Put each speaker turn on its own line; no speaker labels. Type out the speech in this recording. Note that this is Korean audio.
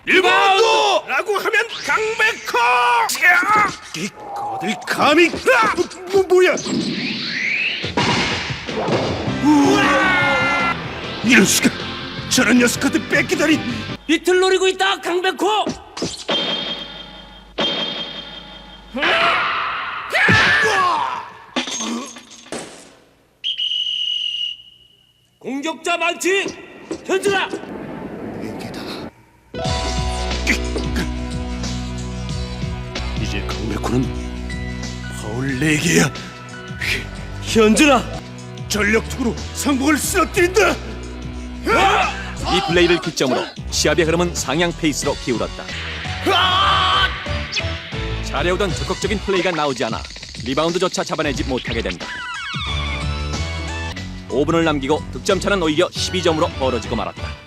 리바운드! 라고 하면 강백호! 어딜 감히! 뭐야! 이럴 수가! 저런 녀석한테 뺏기다니!
비틀 노리고 있다 강백호. 공격자 많지. 현준아.
이제 강백호는 파울 4개야.
현준아.
전력투구로 상복을 쓰러뜨린다.
이 플레이를 기점으로 시합의 흐름은 상향 페이스로 기울었다. 잘해오던 적극적인 플레이가 나오지 않아 리바운드조차 잡아내지 못하게 된다. 5분을 남기고 득점차는 오히려 12점으로 벌어지고 말았다.